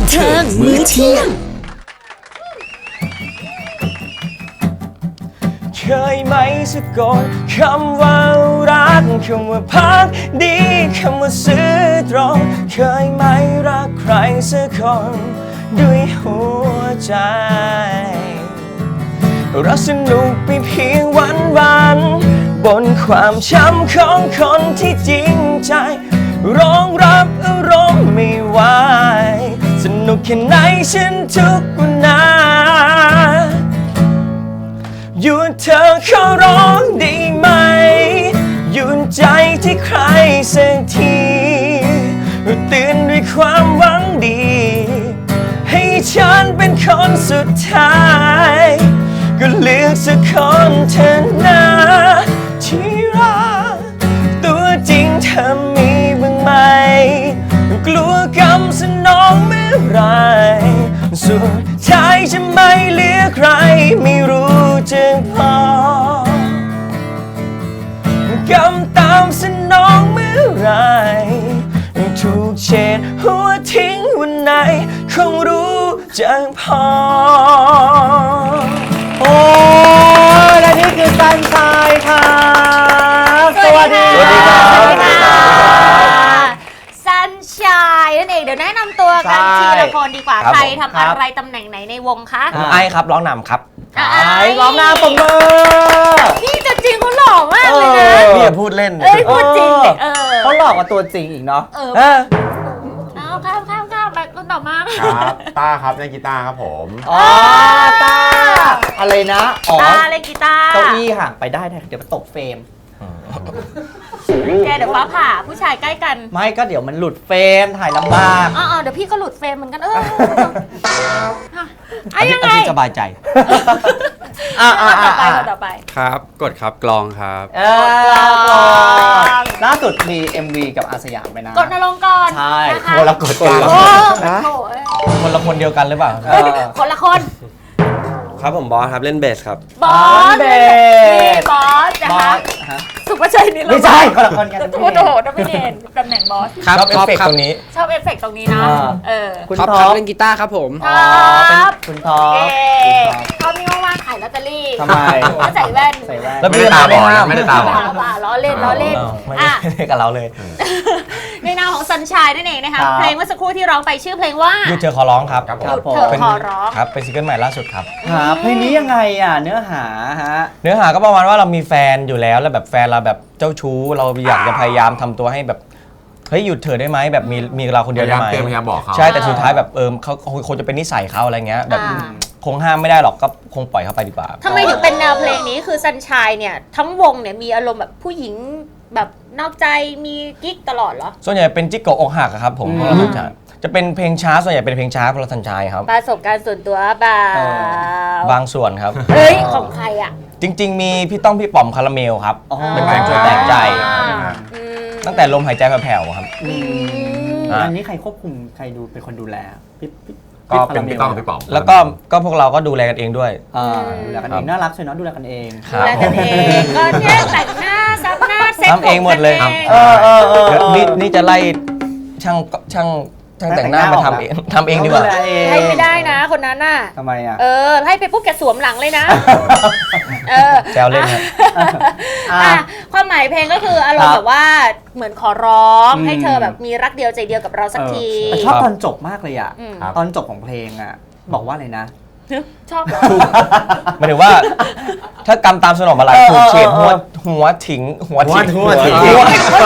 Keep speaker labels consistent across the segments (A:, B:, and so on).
A: ทิงมื้อเที่ยง
B: เคยไหมสักก่อนคำว่ารักคำว่าพักดีคำว่าซื่อตรงเคยไหมรักใครสักคนด้วยหัวใจรักสนุกไปเพียงวันบนความช้ำของคนที่จริงใจรองรับอารมณ์ไม่ไหวสนุกแค่ไหนฉันทุกวันนาหยุดเธอขอร้องได้ไหมหยุดใจที่ใครสักทีตื่นด้วยความหวังดีให้ฉันเป็นคนสุดท้ายก็เลือกสักคนเธอนะที่รักตัวจริงเธอมีบ้างไหมกลัวกำสนองเมื่อไรสุดท้ายจะไม่เหลือใครไม่รู้จึงพอกำตามสนองเมื่อไรถูกเฉดหัวทิ้งวันไหนคงรู้จึงพอ
C: โอ้และนี่คือซันชายค่ะสวัสดี
D: ซันชายนั่นเองเดี๋ยวแนะนำตัวกันทีละคนดีกว่าใครทำอะไรตำแหน่งไหนในวงคะ
B: ไอครับร้องนำครับ
C: ไอร้องหน้าปมมือ
D: นี่จะจริงเขาหล่อมากเลยนะ
B: นี่อย่าพูดเล่น
D: พูดจริงเลย
C: เขาหล่อกว่าตัวจริงอีกเนาะ
D: เอาข้ามไปคนต่อมา
E: ครับต้าครับเล่นกีตาร์ครับผม
C: ต้าอะไรนะ
D: ต้าเล่นกีตาร์
C: เก้าอี้ห่างไปได้เดี๋ยวมันตกเฟรม
D: แกเดี๋ยวฟ้าผ่าผู้ชายใกล้กัน
C: ไม่ก็เดี๋ยวมันหลุดเฟรมถ่ายลำบาก
D: เดี๋ยวพี่ก็หลุดเฟรมเหมือนกันยังไง
B: สบายใจ
D: ต่อไป
E: ครับกดครับกลองครับ
C: ล่าสุดมี MV กับอาสยามไปนะ
D: กดนรงค์ก่อน
C: ใช่
B: คนละกดกันคนละคนเดียวกันหรือเปล่า
D: คนละคน
E: ครับผมบอสครับเล่นเบสครับ
D: บอสบอสนะคะสุภชัยนี่
C: ไม่ใช่คนละคนกัน
D: โอ้โหต้องไม่เด่นตำแหน่งบอส
B: ชอบเอฟเฟกต์ตรงนี้
D: ชอบเอฟเฟกต์ตรงนี้นะ
E: คุณท็อปเล่นกีตาร์ครับผม
C: เป็นคุณท็อป
D: เขามีว่างขายลอตเตอรี่
C: ทำไม
D: แล้วใส่แว่น
B: แล้วไม่ได้ตาบอด
E: ไม่ได้ตาบอด
D: ล้อเล่นไม่ได้
B: กับเราเลย
D: ในนามของซันชายนั่นเองนะคะเพลงเมื่อสักครู่ที่ร้องไปชื่อเพลงว่า
B: หยุดเธอขอร้องครับ
D: หยุดเธอขอร้อง
B: ครับเป็นซิงเกิลใหม่ล่าสุดครับ
C: เพลงนี้ยังไงเนื้อหา
B: ก็ประมาณว่าเรามีแฟนอยู่แล้วแล้วแบบแฟนเราแบบเจ้าชู้เราอยากจะพยายามทำตัวให้แบบเฮ้ยหยุดเธอได้ไหมแบบมีเราคนเดียวได้ไหม
E: พยายามบอกเขา
B: ใช่แต่สุดท้ายแบบเขาคงจะเป็นนิสัยเขาอะไรเงี้ยแบบคงห้ามไม่ได้หรอกก็คงปล่อยเขาไปดีกว่า
D: ทำไมถึงเป็นแนวเพลงนี้คือซันชายเนี่ยทั้งวงเนี่ยมีอารมณ์แบบผู้หญิงแบบนอกใจมีกิ๊กตลอดเหรอ
B: ส่วนใหญ่เป็นจิ๊กโกอกหักครับผมจะเป็นเพลงช้าส่วนใหญ่เป็นเพลงช้าเพราะซันชายครับ
D: ประสบการณ์ส่วนตัว
B: บางส่วนครับ
D: ของใคร
B: จริงๆมีพี่ต้องพี่ป๋อมคาราเมลครับเป็นเพลงช่วยแต่งใจตั้งแต่ลมหายใจแผ่วๆครับ
C: อันนี้ใครควบคุมใครดูเป็นคนดูแล
E: ก็เป็นพี่ต้องพี่ป๋อม
B: แล้วก็พวกเราก็ดูแลกันเองด้วย
C: ดูแลกันเองน่ารักใช่เนาะดูแลกันเอง
D: ดูแลกันเองก็เนี่ยแต่งหน้าซับหน้าเซ็ต
B: ทำเองหมดเลยนี่จะไล่ช่างแต่งหน้ามาทำเองดีกว่า
D: ให้ไม่ได้นะคนนั้นน่ะ
C: ทำไม
D: ให้ไปปุ๊บแกสวมหลังเลยนะ
B: แซวเล่นครับ
D: ความหมายเพลงก็คืออารมณ์แบบว่าเหมือนขอร้องให้เธอแบบมีรักเดียวใจเดียวกับเราสักที
C: ชอบตอนจบมากเลยตอนจบของเพลงบอกว่าอะไรนะ
D: ชอบ
B: หมายถึงว่าถ้ากำตามสนองมาลายถูกเฉดหัวทิ้งถูกเฉดหัว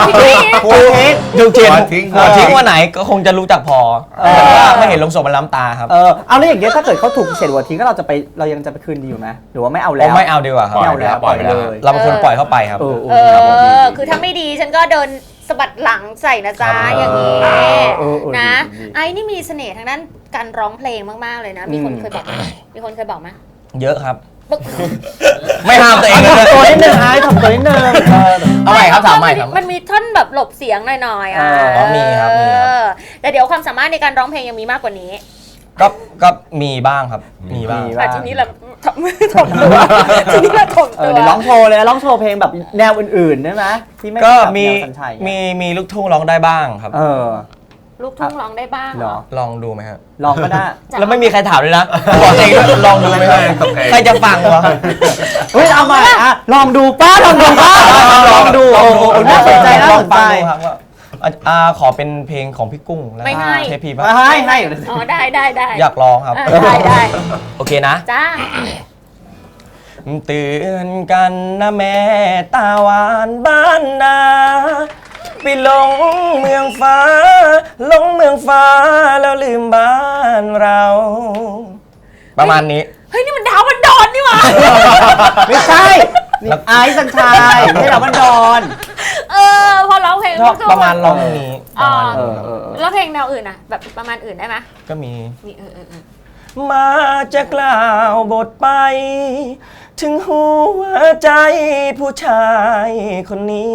B: ทิ้งว่าไหนก็คงจะรู้จักพอไม่เห็นลงศพมันล้ำตาครับ
C: เอาแล้วอย่างเงี้ยถ้าเกิดเขาถูกเฉดหัวทิ้งก็เรายังจะไปคืนดีอยู่ไหมหรือว่าไม่เอาแล้ว
B: ไม่เอาดีกว่าครับ
C: ไม่เอาแล้วปล่อยเลย
B: เราเป็นคนปล่อยเข้าไปครับ
D: คือถ้าไม่ดีฉันก็เดินสะบัดหลังใส่นะจ๊ะอย่างนี้นะไอ้นี่มีเสน่ห์ทางด้านการร้องเพลงมากๆเลยนะมีคนเคยบอกไหม
B: เยอะครับไม่ห้ามตัวเอง
C: ตัวนิดนึงทำตัวนิดนึง
B: เอาใหม่ครับถามใหม่ครับ
D: มันมีท่อนแบบหลบเสียงหน่อย
B: มีครับ
D: แต่เดี๋ยวความสามารถในการร้องเพลงยังมีมากกว่านี้
B: ก็มีบ้างครับมีบ้าง
D: ทีนี้เราถ่อมตัวทีนี้เราถ่อมตัว
C: ร้องโชว์เลยร้องโชว์เพลงแบบแนวอื่นๆได้ไหมที่ไม่
B: ก็มีลูกทุ่งร้องได้บ้างครับ
D: ลูกทุ่งร้องได้บ้าง
C: เหรอ
B: ลองดูไหมครับ
C: ลองก็ได้
B: แล้วไม่มีใครถามเลยนะบอกเองด้วยลองดูไหมครับใครจะฟังวะ
C: เฮ้ยเอาใหม่อ่ะลองดูป้าลองดูป้าลองดูโอ้โหน่าสนใจน่าสนใจ
B: ลองฟังดูครับว่าขอเป็นเพลงของพี่กุ้งแล้ว
D: ไม่ให้
B: เทพีป่ะ
C: ให้
D: อ๋อได้ได้ได้
B: อยากลองครับ
D: ได้
B: โอเคนะ
D: จ้า
B: เตือนกันนะแม่ตาหวานบ้านนาไปหลงเมืองฟ้าหลงเมืองฟ้าแล้วลืมบ้านเรา ประมาณนี้
D: เฮ้ยนี่มันดาวมันดอนนี่หว่า
C: ไม่ใช่นี่ไอซ์สัญชัยไม่ใช่ดาวบันดอน
D: พอร้องเพลง
B: ชอบประมาณร้องนี้ประมาณ
C: เอ
B: นี้
C: อ
D: แล้วเพลงแนวอื่นอะแบบประมาณอื่นได้ไหม
B: ก็มี
D: มี
B: มาจะกล่าวบทไป ถึงหัวใจผู้ชายคนนี้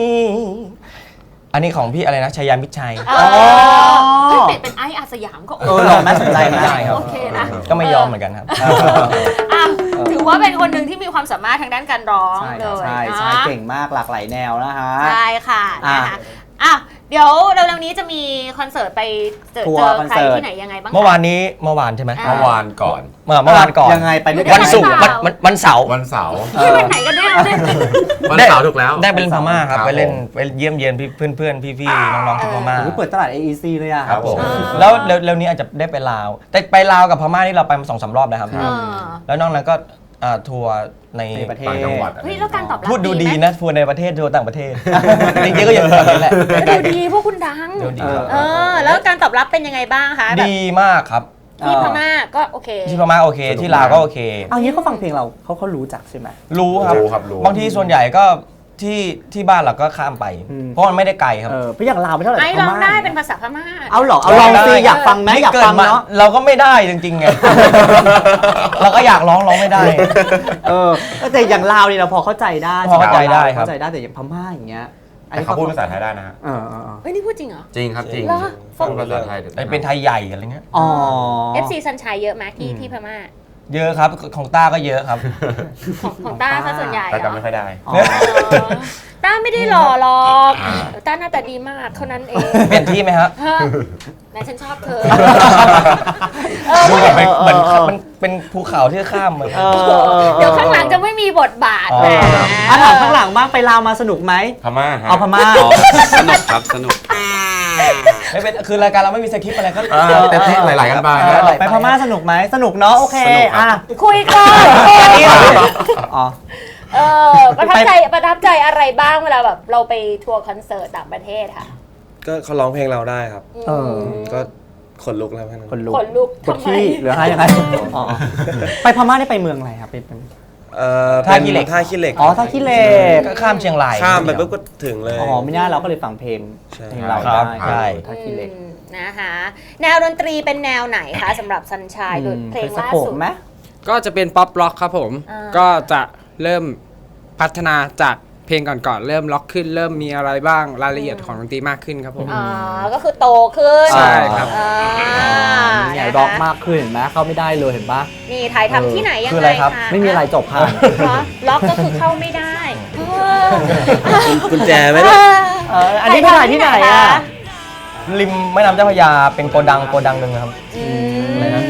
B: อันนี้ของพี่อะไรนะชัยยามิตรชัย
D: เฮ้ยเปลี่ยนเป็นไอซ์อาสยามก็โอ
C: ลองน่าสนใจนะ
B: ได้ครับ
D: โอเคนะ
B: ก็ไม่ยอมเหมือนกันครับ
D: อ่ะถือว่าเป็นคนหนึ่งที่มีความสามารถทางด้านการร้อง
C: ใช่
D: เลย
C: ใช่
D: นะ
C: ใช่เก่งมากหลากหลายแนวนะฮะ
D: ใช่ค่ะ
C: อ่ะ
D: นะคะอ่ะเดี๋ยวเร็วๆนี้จะมีคอนเสิร์ตไปเจอ
C: ทัวร์คอน
D: ใคร
C: เสิร์ต
D: ที่ไหนยังไงบ้างคะ
B: เมื่อวานใช่ไหม
D: อ่า
E: เมื่อวานก่อน
B: เมื่อวานก่อน
C: ยังไงไปด้วยกั
B: วันศุกร์วันเสาร์
E: วันเสาร์
D: ที่วันไหนกันแน่เนี่ย
E: วันเสาร์ถูกแล้ว
B: ได้ไปเล่นพม่าครับ
E: ครับ
B: ไปเล่นไปเยี่ยมเยียนเพื่อนพี่ๆน้องๆที่พม่า
C: โอ้โหเปิดตลาด AEC เลยอ่ะ
E: ครับผม
B: แล้วเร็วๆนี้อาจจะได้ไปลาว แต่ไปลาวกับพม่านี่เราไปมา2-3 รอบแล้วครับ
D: เออ
B: แล้วนอกนั้นก็ทัวร์ใน
C: ในประเทศ
E: ต่างจังหวัด
D: เฮ้ยแล้วการตอบรับ
B: พูดดูดี
D: ไหม
B: นะทัวร์ในประเทศทัวร์ต่างประเทศ จริงๆก็อย่างแบบนี้แหละ
D: ดูดีพวกคุณดัง
B: ดูดีครับ
D: แล้วการตอบรับเป็นยังไงบ้างคะแบบ
B: ดีมากครับ
D: ที่พม่าก็โอเค
B: ที่พม่าโอเค
E: สนุก
B: ที่ลาวก็โอเค
C: เอางี้เขาฟังเพลงเราเขารู้จักใช่ไหม
B: รู้ครับ
E: รู้ครับรู้
B: บางทีส่วนใหญ่ก็ที่บ้านเราก็ข้ามไป
C: อืม
B: เพราะมันไม่ได้ไกลครับ
C: พี่อย่างลาวไม่เท่าไหร่
D: ไอ้ร้อง
C: พม่า
D: ได้เป็นภาษาพม่า
C: เอาเหรอเอาลองสิอยากฟังไหมอยากฟัง
B: นี่กิดม
C: เนาะ
B: เราก็ไม่ได้จริงๆไง เราก็อยากร้องไม่ได้
C: แต่อย่างลาวนี่เราพอเข้าใจได้
B: พอเข้าใจได้ครับ
C: เข้าใจได้แต่อย่างพม่าอย่างเงี้ย
E: แต่เขาพูดภาษาไทยได้นะฮะ
C: เออ
D: เฮ้ยนี่พูดจริงเหรอ
E: จริงครับจริง
D: เหรอ
E: พูดภาษาไทย
B: ไอ้เป็นไทยใหญ่อะไรเงี้ย
C: อ๋อ
D: FC ซันชัยเยอะไหมที่พม่า
B: เยอะครับของต้าก็เยอะครับ
D: ของต้าซะส่วนใหญ่
E: แต่
D: เหรอ
E: จำไม่ค่อยได้
C: อ๋อ
D: ต้าไม่ได้หล่อหรอกต้าหน้าตาดีมากเท่านั้นเอง
B: เปลี่ยนที่ไหมครับ
D: ฮะไหนฉันชอบเธอ
B: ดูเหมือนมันเป็นภูเขาที่ข้ามเหมือน
D: เดี๋ยวข้างหลังจะไม่มีบทบาท
B: อ๋อ
D: แหม
C: ถามข้างหลังบ้างไปลาวมาสนุกไหม
E: พม่าฮะ
C: เอาพม่า
E: สนุกครับสนุก
B: ไม่เป็นคือรายการเราไม่มีสคริปต์อะไรก็
E: เต็มที่หลายๆกันบ้าง
C: ไปพม่าสนุกไหมสนุกเนาะโอเค
E: สนุกครับ
C: อ่ะ
D: คุยก่อน
C: อ๋อ
D: ประทับใจอะไรบ้างเวลาแบบเราไปทัวร์คอนเสิร์ตต่างประเทศค่ะ
E: ก็เขาร้องเพลงเราได้ครับ
C: เออ
E: ก็ขนลุกแล้วแค่นั้น
C: คนลุก
D: ขนลุก
C: กด
D: ทำไม
C: ขี้หรืออะไรยังไงอ๋อไปพม่าได้ไปเมืองอะไรครับเป็น
B: ท่าขี้เหล็ก
E: ท่าขี้เหล็ก
C: อ๋อท่าขี้เหล็ก
B: ก็ข้ามเชียงราย
E: ข้ามไปปุ๊บก็ถึงเลย
C: อ๋อไม่น่าเราก็เลยฟังเพลง
E: ใช่
C: เพลงเรา
B: ครับ
C: ได้
B: ใช่
C: ท่าขี้เหล็ก
D: นะคะแนวดนตรีเป็นแนวไหนคะสำหรับซันชัยโดยเพลงล่า
C: สะโพก
D: สุด
C: ไหม
A: ก็จะเป็นป๊อปร็อกครับผม
D: อ่า
A: ก็จะเริ่มพัฒนาจากเพลงก่อนๆ เริ่มล็อกขึ้น เริ่มมีอะไรบ้างรายละเอียดของดนตรีมากขึ้นครับผม
D: ก็คือโตขึ้น
A: ใช่ครับ
C: นี่ไงร็อกมากขึ้นเห็นไหมเข้าไม่ได้เลยเห็นปะ
D: นี่ถ่ายทำที่ไหนยัง
B: คือ
D: ไง
B: อะไรครับ
D: คะ
C: ไม่มีอะไรจบผ่าน
D: เหรอล็อกก็คือเข้าไม่ได้
E: กุญแจไหม
C: อันนี้ไปถ่ายที่ไหนอ่ะ
B: ริมแม่น้ำเจ้าพระยาเป็นโกดังหนึ่งนะครับ อะไรนะ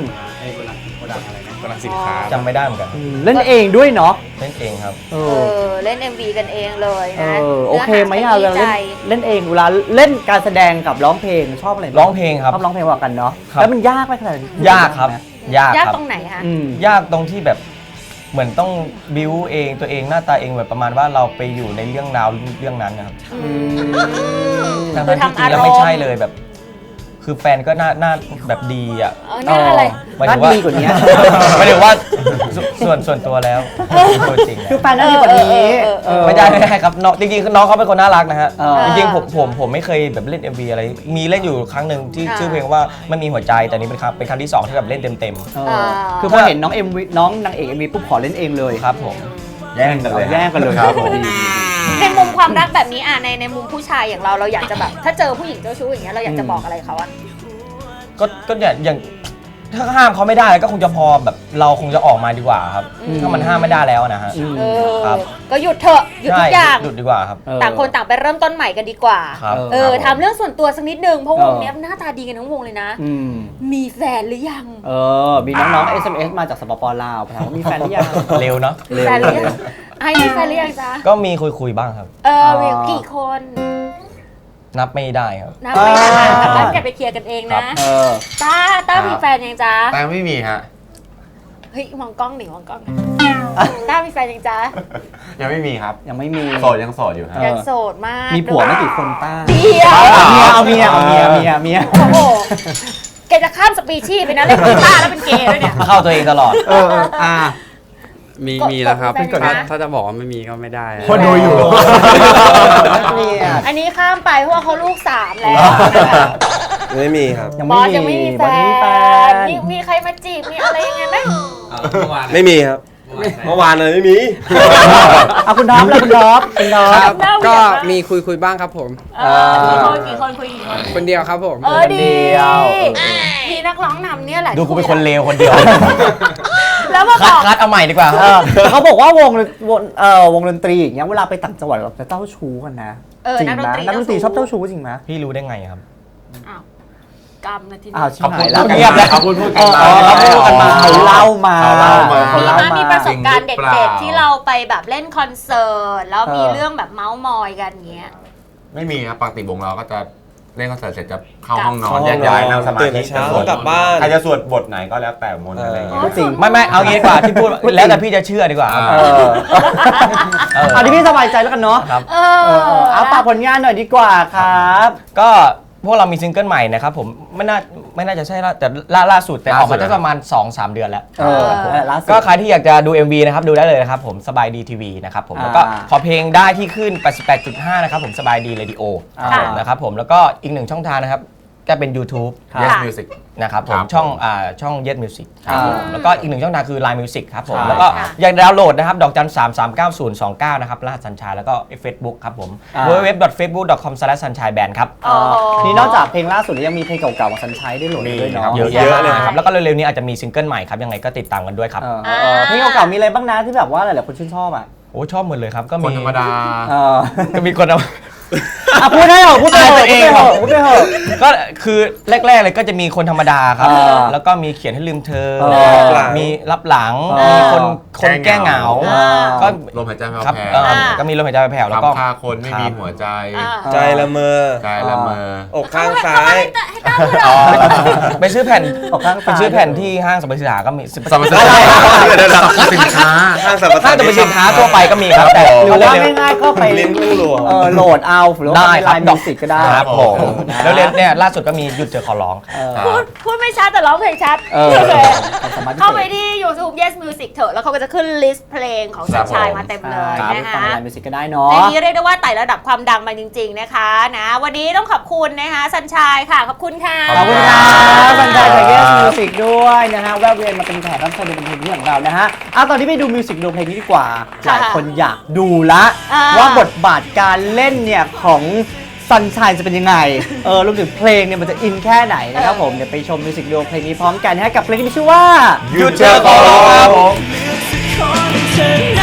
E: กำลังสินค้า
B: จำไม่ได้เหมือนกัน
C: เล่นเองด้วยเนาะ
B: เล่นเองครับ
D: เล่น MV กันเองเลย
C: เอ
D: นะ
C: อโอเคไหมอ่ะ
D: เนื้
C: เว
D: อ
C: ลา
D: หา
C: เล่นเองเวลาเล่นการแสดงกับร้องเพลงชอบอะไร
B: ร้องเพลงครับ
C: ชอบร้องเพลงกว่ากันเนาะ
B: ครับ
C: แล้วมันยากไหมขนาดนี้
B: ยากครับ ยาก
D: ยาก
B: ครับ
D: ตรงไหนคะ
C: อืม
B: ยากตรงที่แบบเหมือนต้องบิวเองตัวเองหน้าตาเองแบบประมาณว่าเราไปอยู่ในเรื่องราวเรื่องนั้นนะครับทั้ง
D: คือ
B: ที่จ
D: ทำ
B: ริ
D: อาง ร
B: แล้ว
D: ม
B: ไม่
D: ณ์
B: ใช่เลยแบบ คือแฟนก็หน้าแบบดีอ่ะ
D: หน้าอะไร
B: หมาย
C: น่า
B: ถึงว่า
C: ดีกว่านี้
B: หมายถึงว่าส่วนตัวแล้วตัวจริง
C: คือแฟนน่าดีกว่านี้เออ
B: ไม่ได้ครับน้องจริงๆคือน้องเขาเป็นคนน่ารักนะฮะ
C: เออ
B: จริงๆผมไม่เคยแบบเล่น MV อะไรมีเล่นอยู่ครั้งหนึ่งที่ชื่อเพลงว่าไม่มีหัวใจแต่นี้เป็นครั้งที่ 2ที่แบบเล่นเต็ม
C: เออคือพอเห็นน้องนางเอก MV ปุ๊บขอเล่นเองเลย
B: ๆครับผม
E: แย่งกันเลย
C: แย่งกันเลย
E: ครับผม
C: ดี
D: ในมุมความรักแบบนี้ในมุมผู้ชายอย่างเราอยากจะแบบ ถ้าเจอผู้หญิงเจ้าชู้อย่างเงี้ยเราอยากจะบอกอะไรเขาอะ
B: ก็อย่างถ้าห้ามเขาไม่ได้ก็คงจะพอแบบเราคงจะออกมาดีกว่าครับ ถ้ามันห้ามไม่ได้แล้วนะฮะ
D: เออ
B: ครับ
D: ก็หยุดเถอะหยุดทุกอย่าง
B: หยุดดีกว่าครับ
D: ต่างคนต่างไปเริ่มต้นใหม่กันดีกว่า
B: ครับ
D: ทำเรื่องส่วนตัวสักนิดนึงเพราะวงเนี้ยหน้าตาดีกันทั้งวงเลยนะ
C: อืม
D: มีแฟนหรือยัง
C: มีน้องๆ SMS มาจากสปปลาวถามว่ามีแฟนหรือยัง
B: เร็วเนาะ
D: มีแฟนหรือยังไอ้มีแฟนหรือยังจ๊ะ
B: ก็มีคุยบ้างครับ
D: มีกี่คน
B: นับไม่ได้ครับ
D: นับไม่ได้แต่บ้านอย่าไปเคลียร์กันเองนะ ต้ามีแฟนยังจ๊ะ
E: แต่ไม่มีฮะ
D: เฮ้ยมองกล้องหนิมองกล้องต้ามีแฟนยังจ๊ะ
E: ยังไม่มีครับ
C: ยังไม่มี
E: โสดยังโสดอยู่ฮะ
D: ยังโสดมาก
C: มีผัวไม่กี่คนต้า
D: เดียว
C: เอาเมีย
D: โอ้โหแกจะข้ามสปีชีส์ไปนะเล่นกีตาร์แล้วเป็นเกย์ด้วยเนี่ย
B: เข้าตัวเองตลอด
A: มีแล้วครับ
D: กดแฟนนะ
A: ถ้าจะบอกว่าไม่มีก็ไม่ได้
E: คนดูอยู่
D: อันนี้ข้ามไปเพราะว่าเขาลูก3แล้ว
E: ไม่มีครับ
D: บอสยังไม่มีแฟ
C: บอสยังไม่มีแฟ
D: น
C: น
D: มีใครมาจีบมีอะไรยังไงไหม
E: ไม่มีครับ เมื่อวานเลยไม่มี
C: เอาคุณท็อปแล้วคุณท็อป
A: ครับก็มีคุยบ้างครับผม
D: กี่คนคุยกี่คน
A: คนเดียวครับผม
D: ดี มีนักร้องนำเนี่ยแหละ
B: ดูกูเป็นคนเลวคนเดียว
D: แล้วมาบอก
B: คัดเอาใหม่ดีกว่า
C: แต่เขาบอกว่าวงดนตรีอย่างเงี้ยเวลาไปต่างจังหวัดเราจะเจ้าชู้กันนะจริงไหมนักดนตรีชอบเจ้าชู้จริงไหม
B: พี่รู้ได้ไงครับ
D: อ้าวกรรมนะทีนี้
C: อ้าวชิบหายแล้ว
B: เงียบแล้ว
E: เขาพูดกันมา
C: เขาพูดกันมาเขาเล่ามา
E: เขาเล่ามา
D: มีประสบการณ์เด็
E: จริงหรือเป
D: ด
E: ล่า
D: ๆที่เราไปแบบเล่นคอนเสิร์ตแล้วมีเรื่องแบบเมาส์มอยกันเงี้ย
F: ไม่มีครับปกติวงเราก็จะเล่นคอนเสิร์ตเสร็จจะเข้าห้องนอ
E: เข้าน ห้องนอน
F: แยกย้ายนั่งสมา
E: ตื่น
F: ธิ
E: เช้ากลับบ้าน
F: ใครจะสวดบทไหนก็แล้วแต่มนต์อะไรอย่างเงี้ย
C: จริง
B: ไม่เอางี้ดีกว่าที่พูดแล้วแต่พี่จะเชื่อดีกว่าครับ
C: เอาที่พี่สบายใจแล้วกันเนาะ
B: ครับ
C: เอาฝากผลงานหน่อยดีกว่าครับ
B: ก็พวกเรามีซิงเกิลใหม่นะครับผมไม่น่าจะใช่ละแต่ล่าสุดแต่ออกมาได้ประมาณ 2-3 เดือนแล้ว
C: ล่าสุด
B: ก็ใครที่อยากจะดู MV นะครับดูได้เลยนะครับผมสบายดีทีวีนะครับผมแล้วก็ขอเพลงได้ที่ขึ้น 88.5 นะครับผมสบายดีเรดิโอนะครับผมแล้วก็อีก1ช่องทางนะครับก็เป็น YouTube
F: Yes Music
B: นะครับผม
F: ครับ
B: ช่อง Yes Music ครับผมแล้วก็อีก1ช่องทางคือ Line Music ครับผม
C: ใช่
B: แล้วก็อยากดาวน์โหลดนะครับดอกจัน 339-029 นะครับรหัสสัญชัยแล้วก็ Facebook ครับผม www.facebook.com/sunshineband ครับ
C: นี่นอกจากเพลงล่าสุดแล้วยังมีเพลงเก่าๆของซันชัยได้โหลดด้วยเนาะ
B: เยอะ
E: เยอะเลย
B: นะครับแล้วก็เร็วๆนี้อาจจะมีซิงเกิลใหม่ครับยังไงก็ติดตามกันด้วยครับ
C: เพลงเก่าๆมีอะไรบ้างนะที่แบบว่าหลายๆคนชื่นชอบอ่ะ
B: โอ้ชอบหมดเลยครับก็
F: ค
B: มี
F: นธรรมดา
B: ก็มีคนเอา
C: พูดได้เหรอพูดไปเหรอ
B: ตัวเองเหรอ
C: พูดไปเหรอ
B: ก็คือแรกๆเลยก็จะมีคนธรรมดาครับ แล้วก็มีเขียนให้ลืมเธอ มีรับหลัง มีคนแก้เหงา ก็
F: ลมหายใจแผ่ว
B: ครับ
F: แผ่ว
B: ก็มีลมหายใจแผ่วๆแล้วก็
F: คำฆ่าคนไม่มีหัวใจ
E: ใจละเมอ
F: ใจละเมอ
E: อกข้างซ้าย
D: ให้ต้าพูดเหรอ
B: ไปซื้อแผ่น
C: ออกข้างซ้าย
B: ไปซื้อแผ่นที่ห้างสรรพสินค้าก็มี
F: สรรพสินค้าสินค้า
E: ข้างสรรพ
B: ห้างสรรพสินค้าทั่วไปก็มีครับแต่
C: หรือว่าง่ายๆก็ไป
E: ลิ้นลูกหลวง
C: โหลดเอาหรือว่า
B: ได้
C: ไป
B: ครั
C: ไล
B: บ
C: น์มิวสิกก็ได้
B: ครับผมแล้วเนี่ยล่าสุดก็มีหยุดเจอขอร้องครับ
D: พูดไม่ชัดแต่ร้องเพลงชัด
C: เออ
D: โอเค
C: สามารถ
D: เข้าไปที่ YouTube Yes Music เถอะแล้วเขาก็จะขึ้นลิสต์เพลงของสัญชัยมาเต็มเลย
C: ครับ
D: นะ
C: ฟัง
D: คะ
C: ไลน์มิวสิกก็ได้เนาะ
D: ในนี้เรียกได้ว่าไต่ระดับความดังมาจริง ๆนะคะนะวันนี้ต้องขอบคุณนะคะสัญชัยค่ะขอบคุณค่ะ
C: ขอบคุณครับสัญชัยจาก Yes Music ด้วยนะฮะแวะเวียนมาเป็นแขกรับเชิญในเพลงนี้ของเรานะฮะตอนนี้ไปดูมิวสิกดูเพลงนี้ดีกว่าหลายคนอยากดูละว่าบทบาทการเล่นเนี่ยของซันชัยจะเป็นยังไงรวมถึงเพลงเนี่ยมันจะอินแค่ไหนนะครับผมเดี๋ยวไปชมมิวสิกวิดีโอเพลงนี้พร้อมกันนะฮะกับเพลงที่มีชื่อว่า
B: หยุดเจอขอร้องครับผม
C: เ